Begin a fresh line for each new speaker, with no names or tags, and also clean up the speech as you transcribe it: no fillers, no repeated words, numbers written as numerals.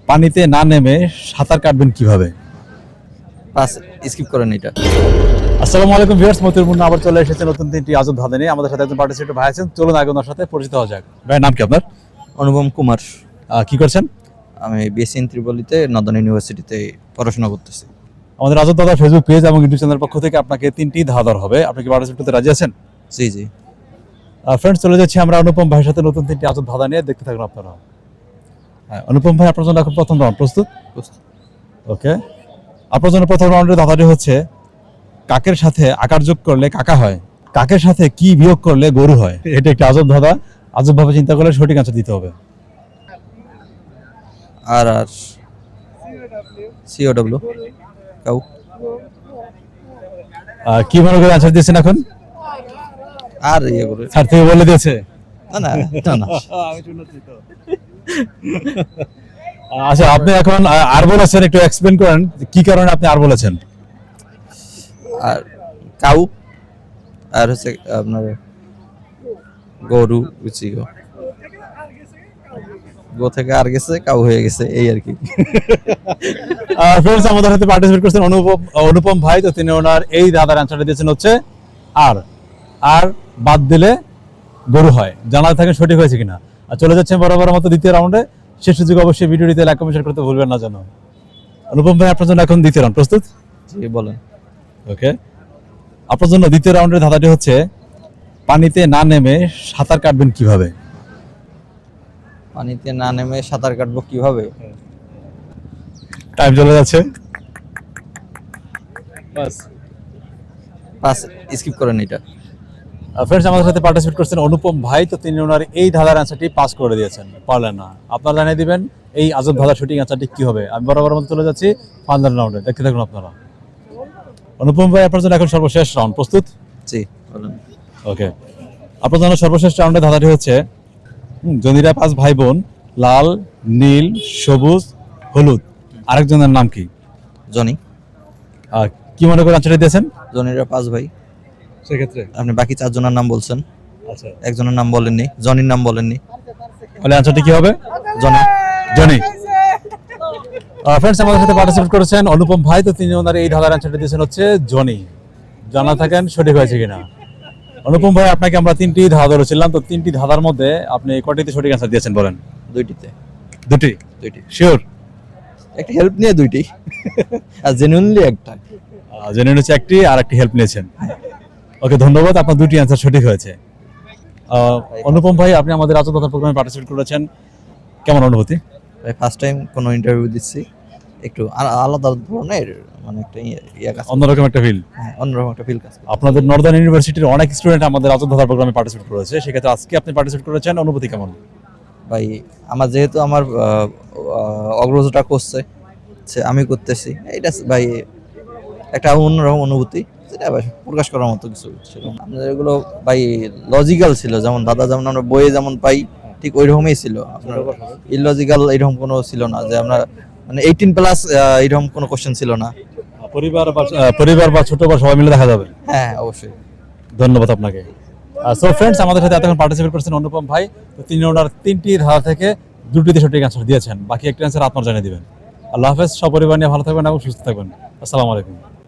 পানিতে না নেমে সাঁতার কাটবেন কিভাবে?
পাস স্কিপ করেন এটা।
আসসালামু আলাইকুম ভিউয়ার্স, মতিউর মুন্না আবার চলে এসেছে নতুন তিনটি আজব ধাঁধা নিয়ে। আমাদের সাথে একজন পার্টিসিপেন্ট ভাই আছেন, চলুন আগে ওনার সাথে পরিচিত হওয়া যাক। ভাইয়ের নাম কি আপনার?
অনুপম কুমার।
কি করছেন?
আমি বিএসসি ইন ত্রিপলিতে নর্দার্ন ইউনিভার্সিটিতে পড়াশোনা করতেছি।
আমাদের আজব ধাঁধা ফেসবুক পেজ এবং ইউটিউব চ্যানেলের পক্ষ থেকে আপনাকে তিনটি ধাঁধার হবে। আপনি কি পার্টিসিপেট করতে রাজি আছেন?
জি জি।
ফ্রেন্ডস, চলে যাচ্ছি আমরা অনুপম ভাইয়ের সাথে নতুন তিনটি আজব ধাঁধা নিয়ে। দেখতে থাকুন আপনারা। হ্যাঁ, অনুপম ভাই, আপনার জন্য এখন প্রথম রাউন্ড প্রস্তুত? ওকে, আপনার জন্য প্রথম রাউন্ডের ধাঁধাটি হচ্ছে, কাকের সাথে আকার যোগ করলে কাকা হয়, কাকের সাথে কি বিয়োগ করলে গরু হয়। এটা একটি আজব ধাঁধা, আজব ভাবে চিন্তা করলে সঠিক আনসার দিতে হবে।
আর আর সিওডব্লিউ কাউ।
কি মনে করে আনসার দিয়েছেন এখন?
আর ইয়ে করে
স্যার থেকে বলে দিয়েছে?
না না না না।
আচ্ছা, আপনি এখন আর বলেছেন, একটু এক্সপ্লেন করেন কি কারণে আপনি আর বলেছেন।
আর কাউ আর হচ্ছে আপনার গরু বুঝছি গো থেকে আর গেছে কাউ হয়ে গেছে এই আর কি।
ফ্রেন্ডস, আমাদের সাথে পার্টিসিপেট করছেন অনুপম ভাই। তো তিনি ওনার এই ধাঁধার অ্যান্সারটা দিয়েছেন হচ্ছে আর আর বাদ দিলে গরু হয়। জানা থাকেন সঠিক হয়েছে কিনা। আর চলে যাচ্ছেন বরাবর মতো দ্বিতীয় রাউন্ডে। শেষ সুযোগ অবশ্যই ভিডিওটিতে লাইক কমেন্ট করতে ভুলবেন না যেন। অনুপম ভাই, আপনার জন্য এখন দ্বিতীয় রাউন্ড প্রস্তুত?
জি বলেন।
ওকে, আপনার জন্য দ্বিতীয় রাউন্ডের ধাঁধাটি হচ্ছে, পানিতে না নেমে সাঁতার কাটবেন কিভাবে?
পানিতে না নেমে সাঁতার কাটবো কিভাবে?
টাইম চলে যাচ্ছে।
পাস স্কিপ করেন এটা।
ফ্রেন্ডস, আমাদের সাথে পার্টিসিপেট করছেন অনুপম ভাই। তো তিনি ওনার এই ধাঁধার অ্যান্সারটি পাস করে দিয়েছেন, পারলেন না। আপনারা জানিয়ে দিবেন এই আজব ধাঁধার সঠিক অ্যান্সারটি কি হবে। আমি বরাবর মতো চলে যাচ্ছি ফাইনাল রাউন্ডে। দেখতে থাকুন আপনারা। অনুপম ভাই, আপনার জন্য এখন সর্বশেষ রাউন্ড প্রস্তুত?
জি বলেন।
ওকে, আপনার জন্য সর্বশেষ রাউন্ডে ধাঁধাটি হচ্ছে, জনিরা 5 ভাই বোন, লাল, নীল, সবুজ, হলুদ, আরেকজনের নাম কি?
জনি।
কি মনে করে অ্যান্সারটি দিয়েছেন?
জনিরা 5 ভাই।
সেক্ষেত্রে
আপনি বাকি 4 জনের নাম বলছেন,
আচ্ছা,
একজনের নাম বলেননি, জনির নাম বলেননি।
তাহলে অ্যান্সারটি কি হবে?
জনি।
জনি। ফ্রেন্ডস, আমাদের সাথে পার্টিসিপেট করেছেন অনুপম ভাই। তো তিনি ওনার এই ধাঁধার অ্যান্সারটি দিয়েছেন হচ্ছে জনি। জানা থাকেন সঠিক হয়েছে কিনা। অনুপম ভাই, আপনাকে আমরা তিনটি ধাঁধা ধরেছিলাম। তো তিনটি ধাঁধার মধ্যে আপনি কয়টিতে সঠিক অ্যান্সার দিয়েছেন বলেন?
দুইটিতে।
দুটি?
দুইটি
শিওর?
একটা হেল্প নিয়ে দুইটি আর জেনুইনলি একটা।
জেনে নিচ্ছে একটি, আর একটি হেল্প নিয়েছেন। ওকে, ধন্যবাদ, আপনার দুটি অ্যান্সার সঠিক হয়েছে। অনুপম ভাই, আপনি আমাদের আজব ধাঁধা প্রোগ্রামে পার্টিসিপেট করেছেন, কেমন অনুভূতি?
ভাই ফার্স্ট টাইম কোনো ইন্টারভিউ দিচ্ছি, একটু আলাদা ধরনের মানে একটা ইয়ে কাজ।
অন্যরকম একটা ফিল।
হ্যাঁ, অন্যরকম একটা ফিল কাজ করে।
আপনাদের নর্দার্ন ইউনিভার্সিটির অনেক স্টুডেন্ট আমাদের আজব ধাঁধা প্রোগ্রামে পার্টিসিপেট করেছে, সেক্ষেত্রে আজকে আপনি পার্টিসিপেট করেছেন, অনুভূতি কেমন?
ভাই আমার যেহেতু আমার অগ্রজটা করছে, আমি করতেছি, এটা ভাই একটা অন্যরকম অনুভূতি, যেটা ভাই প্রকাশ করার মতো কিছু ছিল না। আমাদের এগুলো ভাই লজিক্যাল ছিল, যেমন দাদা যেমন আমরা বইয়ে যেমন পাই ঠিক ওই রকমই ছিল। আপনার ইললজিক্যাল এরকম কোনো ছিল না, যে আমরা মানে 18+ এরকম কোনো কোশ্চেন ছিল না।
পরিবার বা ছোট বা সবাই মিলে দেখা যাবে।
হ্যাঁ অবশ্যই।
ধন্যবাদ আপনাকে। সো ফ্রেন্ডস, আমাদের সাথে এতক্ষণ পার্টিসিপেট করেছেন অনুপম ভাই। তো তিনি ওনার তিনটি ধাঁধা থেকে দুটিতে সঠিক অ্যান্সার দিয়েছেন, বাকি একটি অ্যান্সার আপনার জানিয়ে দিবেন। আল্লাহ হাফেজ, সপরিবার নিয়ে ভালো থাকবেন এবং সুস্থ থাকবেন। আসসালামু আলাইকুম।